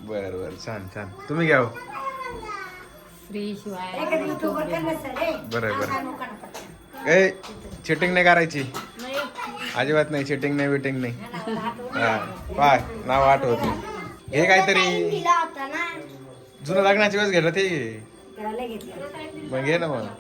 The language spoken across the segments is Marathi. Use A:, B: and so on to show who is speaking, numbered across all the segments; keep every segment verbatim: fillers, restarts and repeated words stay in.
A: बर बर छान छान. तुम्ही घ्या. बरं बरं. ए चिटिंग नाही करायची अजिबात नाही. चिटिंग नाही विटिंग नाही. हा पाय नाव आठवत नाही. हे काहीतरी जुनं लग्नाची वेळेस घेतलं ते मग घे ना. मग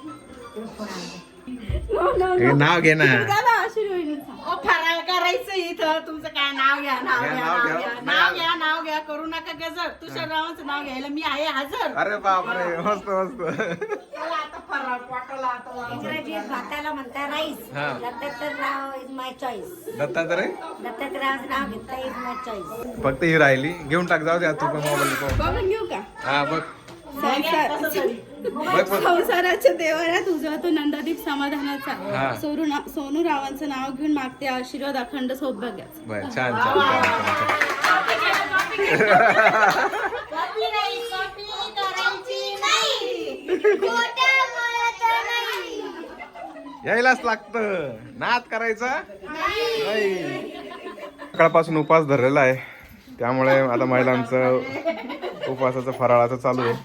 A: हे नाव घे ना.
B: फराळ करायचं इथं. तुमचं काय नाव घ्या नाव घ्या नाव घ्या नाव घ्या नाव घ्या करू नका गजर. तुषार रावांचं नाव घ्यायला मी आहे हजर.
A: अरे बापरे मस्त मस्त.
B: चला आता फराळ पोटाला आता
C: इंग्रजीत भाताला म्हणता rice. Dattatrayrao is my choice.
A: Dattatray
C: दत्तात्रयाचं नाव घेता इज माय चॉईस.
A: फक्त ही राहिली. घेऊन टाक जाऊ द्या तू पण मोबाईल.
B: बघून घेऊ का?
A: हा बघ
B: संसाराच्या देवाऱ्यात उजळतो नंदादीप समाधानाचा.
A: हा.
B: सोनू ना- सोनू रावांचं नाव घेऊन मागते आशीर्वाद अखंड सौभाग्याचा.
A: बर छान छान छान यायलाच लागतं. नाद करायचा नाही. सकाळपासून उपवास धरलेला आहे त्यामुळे आता महिलांचं उपवासाचं फराळाचं चालू आहे.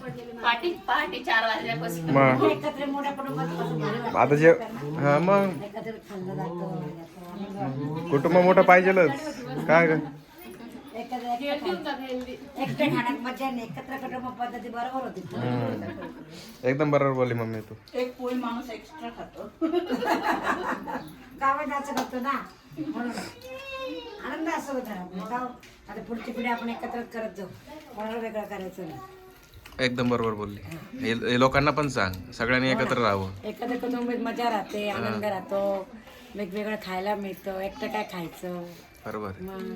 A: मग
C: एकत्र मोठ्या कुटुंबात
A: आता जे हा मग
C: एकत्र खाल्लं जातं.
A: कुटुंब मोठं पाहिजेलच काय ग.
C: एकत्र एकट्या खाण्यात मजा नाही. एकत्र कुटुंब पद्धती बरोबर होती.
A: हम्म. एकदम बरोबर बोलली मम्मी तू.
B: एक पोळी माणूस एक्स्ट्रा खातो.
C: गावात करतो ना म्हणून आनंद असं होता. आता पुढची पिढी आपण एकत्र करत जाऊ. कोणाला वेगळं करायचं नाही.
A: एकदम बरोबर बोलली. हे हे लोकांना पण सांग सगळ्यांनी एकत्र राहावं.
C: एकत्र कुटुंबात मजा राहते. आनंद राहतो. वेगवेगळं खायला मिळतं. एकटं काय खायचं.
A: बरोबर.
C: मग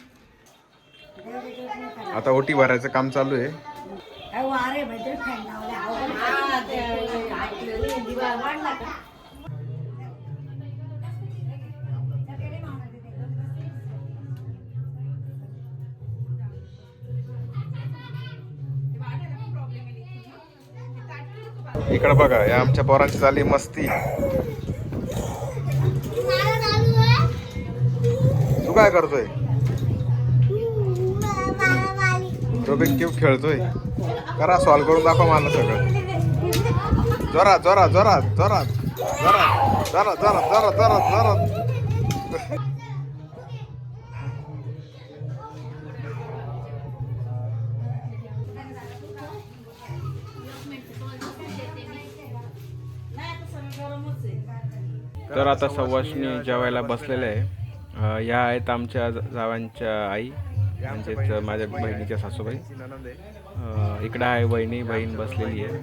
A: आता ओटी भरायचं काम चालू आहे.
C: अरे मैत्री फॅन दिवा वाढला का.
A: इकडे बघा या आमच्या पोरांची झाली मस्ती. तू काय करतोय. रुबिक क्यूब खेळतोय. करा सॉल्व करून दाखव मला सगळं. जोरात जोरात जोरात जोरात जोरात जोरात जोरात जोरात जोरात जोरात. तर आता सवाष्णी जेवायला बसलेले आहे. या आहेत आमच्या जावांच्या आई म्हणजेच माझ्या बहिणीच्या सासूबाई. इकडं आहे बहिणी बहीण बसलेली आहे.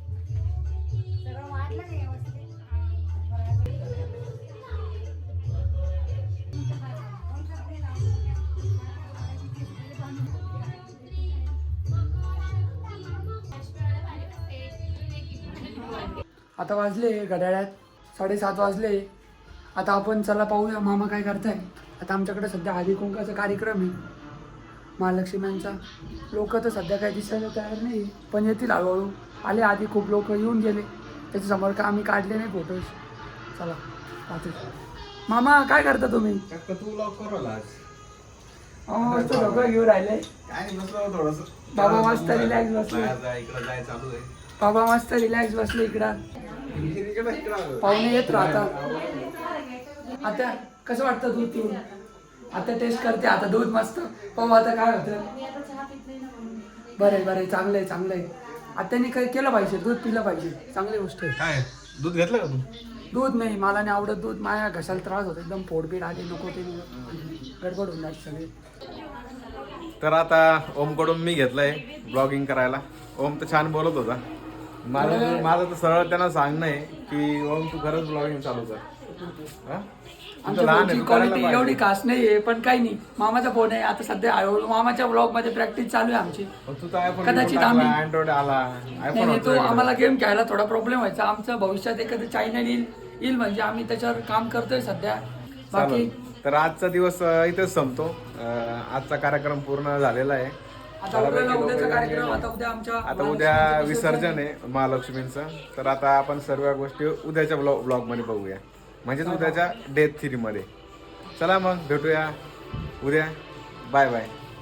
D: आता वाजले घड्याळ्यात साडेसात वाजले. आता आपण चला पाहूया मामा काय करताय. आता आमच्याकडे सध्या हळदी कुंकाचा कार्यक्रम आहे महालक्ष्म्यांचा. लोक तर सध्या काही दिसायला तयार नाही पण येतील हळूहळू. आले आधी खूप लोक येऊन गेले त्याच्यासमोर का आम्ही काढले नाही फोटोज. चला पाहतो. मामा काय करता तुम्ही. लोक घेऊन राहिले. बाबा मस्त रिलॅक्स बसले. बाबा मस्त रिलॅक्स बसले इकडं. पाहुणे येत राहतात. आता कसं वाटतं दूध पिऊन. आता टेस्ट करते आता दूध मस्त. पाहू आता काय होतं. बरं बरं चांगलं आहे चांगलं आहे. आत्याने काही केलं पाहिजे. दूध पिलं पाहिजे. चांगली गोष्ट आहे.
A: काय दूध घेतलं का तू.
D: दूध नाही मला नाही आवडत दूध. माझ्या घशाला त्रास होतो एकदम. पोटबीट आली नको ते गडबड होऊन जायची सगळे.
A: तर आता ओमकडून मी घेतलंय ब्लॉगिंग करायला. ओम तर छान बोलत होता. माझं माझं तर सरळ त्यांना सांगणं आहे की ओम तू खरंच ब्लॉगिंग चालू कर. हा? तू तर लहान आहे, तू करायला
D: क्वालिटी
A: पाहिजे.
D: एवढी खास नाही आहे पण काही नाही. मामाचा फोन आहे आता सध्या हळूहळू मामाच्या ब्लॉग मध्ये प्रॅक्टिस चालू आहे आमची.
A: पण तू तर आयफोन
D: कदाचित आम्ही-
A: अँड्रॉइड आला
D: नाही
A: आयफोन
D: नाही, तो आम्हाला गेम खेळायला थोडा प्रॉब्लेम व्हायचा. आमचं भविष्यात एखादं चॅनल येईल येईल म्हणजे आम्ही त्याच्यावर काम करतोय सध्या. बाकी
A: तर आजचा दिवस अं, इथेच संपतो. अं, आजचा कार्यक्रम पूर्ण झालेला आहे.
D: आता उद्याला उद्याचा कार्यक्रम. आता उद्या आमच्या
A: आता उद्या विसर्जन आहे महालक्ष्मींचं. तर आता आपण सर्व गोष्टी उद्याच्या ब्लॉग ब्लॉगमध्ये बघूया म्हणजेच उद्याच्या डेथ थ्री मध्ये. चला मग भेटूया उद्या. Bye bye.